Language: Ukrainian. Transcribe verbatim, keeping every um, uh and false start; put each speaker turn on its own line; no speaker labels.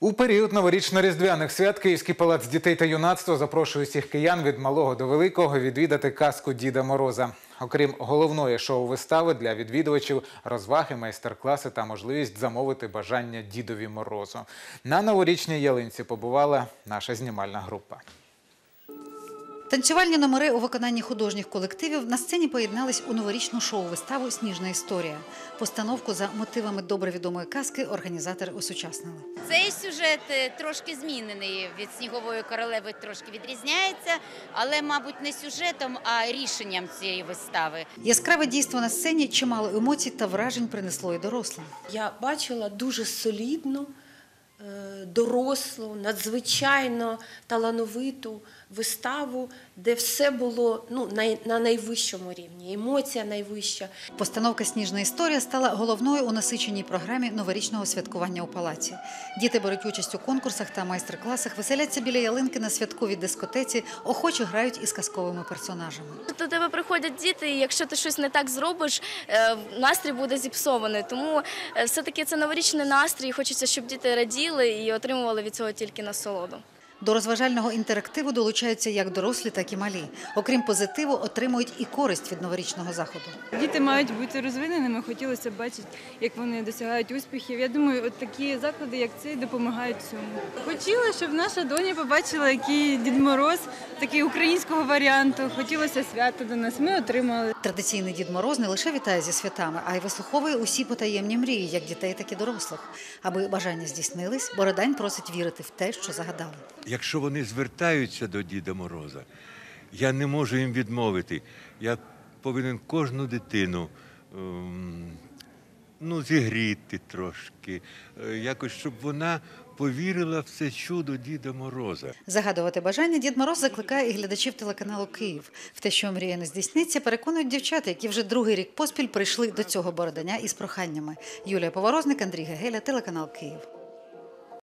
У період новорічно-різдвяних свят Київський палац дітей та юнацтва запрошує всіх киян від малого до великого відвідати казку Діда Мороза. Окрім головної шоу-вистави, для відвідувачів розваги, майстер-класи та можливість замовити бажання Дідові Морозу. На новорічній ялинці побувала наша знімальна група.
Танцювальні номери у виконанні художніх колективів на сцені поєднались у новорічну шоу-виставу «Сніжна історія». Постановку за мотивами добре відомої казки організатори осучаснили.
Цей сюжет трошки змінений від «Снігової королеви», трошки відрізняється, але, мабуть, не сюжетом, а рішенням цієї вистави.
Яскраве дійство на сцені чимало емоцій та вражень принесло і дорослим.
Я бачила дуже солідну, дорослу, надзвичайно талановиту виставу, де все було ну, на найвищому рівні, емоція найвища.
Постановка «Сніжна історія» стала головною у насиченій програмі новорічного святкування у палаці. Діти беруть участь у конкурсах та майстер-класах, веселяться біля ялинки на святковій дискотеці, охоче грають із казковими персонажами.
До тебе приходять діти, і якщо ти щось не так зробиш, настрій буде зіпсований. Тому все-таки це новорічний настрій, хочеться, щоб діти раділи і отримували від цього тільки насолоду.
До розважального інтерактиву долучаються як дорослі, так і малі. Окрім позитиву, отримують і користь від новорічного заходу.
Діти мають бути розвиненими, хотілося б бачити, як вони досягають успіхів. Я думаю, от такі заклади, як цей, допомагають цьому. Хотіла, щоб наша доня побачила, який Дід Мороз, такий українського варіанту. Хотілося свято до нас, ми отримали.
Традиційний Дід Мороз не лише вітає зі святами, а й вислуховує усі потаємні мрії, як дітей, так і дорослих. Аби бажання здійснились, Бородань просить вірити в те, що загадали.
Якщо вони звертаються до Діда Мороза, я не можу їм відмовити. Я повинен кожну дитину ем, ну, зігріти трошки, якось, щоб вона повірила в це чудо Діда Мороза.
Загадувати бажання Дід Мороз закликає і глядачів телеканалу «Київ». В те, що мрія не здійсниться, переконують дівчата, які вже другий рік поспіль прийшли до цього Бородання із проханнями. Юлія Поворозник, Андрій Гегеля, телеканал «Київ».